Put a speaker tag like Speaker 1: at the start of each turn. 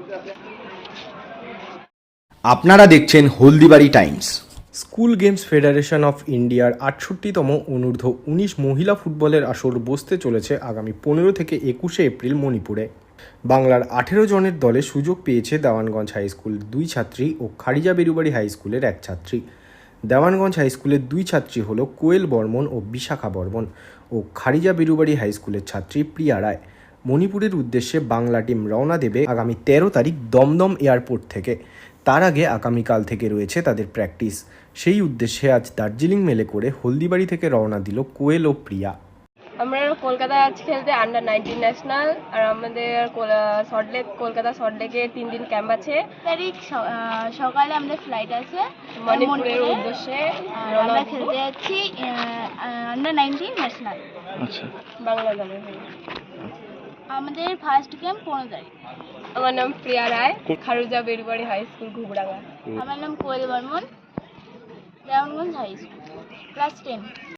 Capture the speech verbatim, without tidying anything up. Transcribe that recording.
Speaker 1: আপনারা দেখছেন Haldibari times. School games federation of ইন্ডিয়ার আটষট্টিতম অনূর্ধ্ব উনিশ মহিলা ফুটবলের আসর বসতে চলেছে আগামী পনেরো থেকে একুশে এপ্রিল মণিপুরে। বাংলার আঠেরো জনের দলে সুযোগ পেয়েছে দেওয়ানগঞ্জ হাই স্কুল দুই ছাত্রী ও খারিজা বেরুবাড়ি হাই স্কুলের এক ছাত্রী। দেওয়ানগঞ্জ হাই স্কুলের দুই ছাত্রী হল কোয়েল বর্মন ও বিশাখা বর্মন ও খারিজা বেরুবাড়ি হাই স্কুলের ছাত্রী প্রিয়া রায়। মণিপুরের উদ্দেশ্যে বাংলা টিম রওনা দেবে আগামী তেরো তারিখ দমদম এয়ারপোর্ট থেকে। তার আগে আগামীকাল থেকে রয়েছে তাদের প্র্যাকটিস। সেই উদ্দেশ্যে আজ দার্জিলিং মেলে করে হলদিবাড়ি থেকে রওনা দিল কোয়েল ও প্রিয়া।
Speaker 2: আমরা কলকাতা আজ খেলতে আন্ডার নাইনটিন ন্যাশনাল, আর আমাদের সল্টলেক কলকাতা সল্টলেকে তিন দিন ক্যাম্প আছে।
Speaker 3: তারিখ সকালে আমাদের ফ্লাইট আছে
Speaker 2: মণিপুরের উদ্দেশ্যে
Speaker 3: আমরা খেলতে যাচ্ছি আন্ডার নাইনটিন ন্যাশনাল।
Speaker 4: আচ্ছা,
Speaker 2: বাংলা দলের।
Speaker 3: আমাদের ফার্স্ট গেম পনেরো তারিখ।
Speaker 2: আমার নাম প্রিয়া রায়, খারুজা বেরুবাড়ি হাই স্কুল ঘুবড়াঙ্গা।
Speaker 3: আমার নাম Koyel Barman, Dewanganj high school, class ten.